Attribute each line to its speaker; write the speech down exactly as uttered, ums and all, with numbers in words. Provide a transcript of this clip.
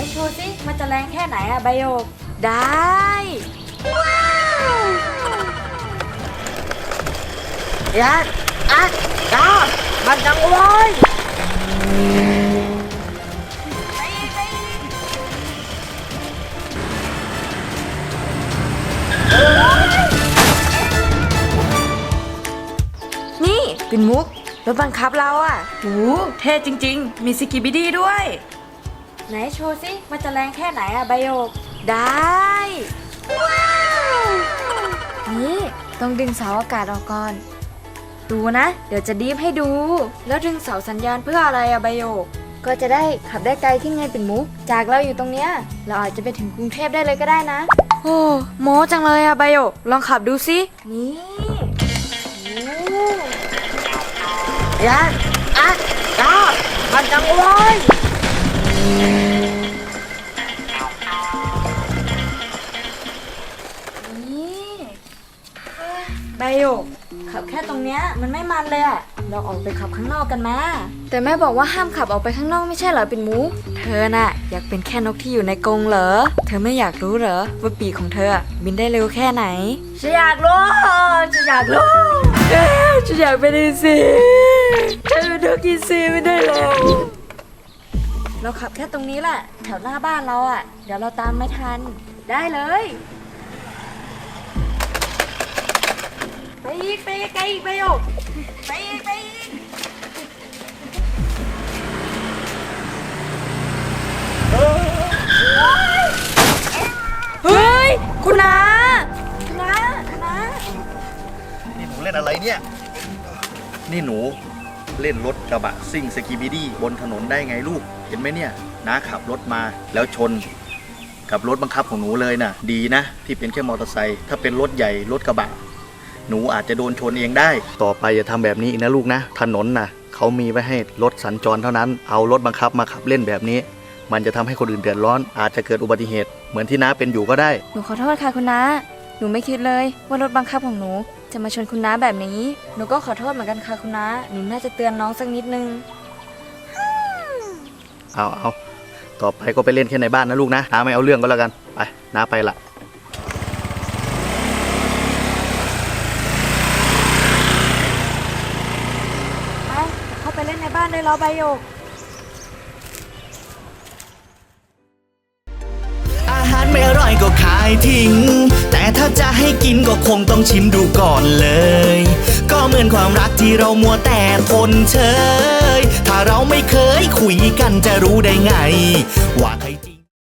Speaker 1: โชว์สิมันจะแรงแค่ไหนอะใบโยกได้ว้าวยัดอัดดามันจังเลยนี่เป็นมุกรถบังคับเราอ่ะโหเท่จริงๆมีสกิบิดี้ด้วยไหนโชว์สิมันจะแรงแค่ไหนอะใบโยกได้ว้าวนี่ต้องดึงเสาอากาศออกก่อนดูนะเดี๋ยวจะดีฟให้ดูแล้วดึงเสาสัญญาณเพื่ออะไรอะใบโยกก็จะได้ขับได้ไกลขึ้นไงเป็นมุกจากเราอยู่ตรงเนี้ยเราอาจจะไปถึงกรุงเทพได้เลยก็ได้นะโอ้โม้จังเลยอะใบโยกลองขับดูสินี่ยัดอัดดามันจังเลยนี่ใบโยกขับแค่ตรงเนี้ยมันไม่มันเลยอะเราออกไปขับข้างนอกกันมาแต่แม่บอกว่าห้ามขับออกไปข้างนอกไม่ใช่เหรอเป็นมูเธอน่ะอยากเป็นแค่นกที่อยู่ในกรงเหรอเธอไม่อยากรู้เหรอว่าปีกของเธอบินได้เร็วแค่ไหนฉันอยากรู้ฉันอยากรู้เอ๊ะฉันอยากเป็นอีซีฉันเป็นนกอีซีไม่ได้แล้วเราขับแค่ตรงนี้แหละแถวหน้าบ้านเราอ่ะเดี๋ยวเราตามไม่ทันได้เลยไปอีกไปไกลอีกไปโยกไปอีกไปอีกเฮ้ยคุณน้าคุณน้าคุณน้า
Speaker 2: นี่หนูเล่นอะไรเนี่ยนี่หนูเล่นรถกระบะซิ่งสกีบิดี้บนถนนได้ไงลูกเห็นไหมเนี่ยน้าขับรถมาแล้วชนกับรถบังคับของหนูเลยน่ะดีนะที่เป็นแค่มอเตอร์ไซค์ถ้าเป็นรถใหญ่รถกระบะหนูอาจจะโดนชนเองได้ต่อไปอย่าทำแบบนี้อีกนะลูกนะถนนน่ะเขามีไว้ให้รถสัญจรเท่านั้นเอารถบังคับมาขับเล่นแบบนี้มันจะทำให้คนอื่นเดือดร้อนอาจจะเกิดอุบัติเหตุเหมือนที่น้าเป็นอยู่ก็ได้
Speaker 1: หนูขอโทษค่ะคุณน้าหนูไม่คิดเลยว่ารถบังคับของหนูจะมาชนคุณน้าแบบนี้หนูก็ขอโทษเหมือนกันค่ะคุณน้าหนูน่าจะเตือนน้องสักนิดนึง
Speaker 2: เอาเอาต่อไปก็ไปเล่นแค่ในบ้านนะลูกนะน้าไม่เอาเรื่องก็แล้วกันไปน้าไปละ
Speaker 1: ไปเข้าไปเล่นในบ้านได้แล้วใบโยก
Speaker 3: อาหารไม่อร่อยก็ขายทิ้งแต่ถ้าจะให้กินก็คงต้องชิมดูก่อนเลยก็เหมือนความรักที่เรามัวแต่ทนเชยถ้าเราไม่เคยคุยกันจะรู้ได้ไงว่าใคร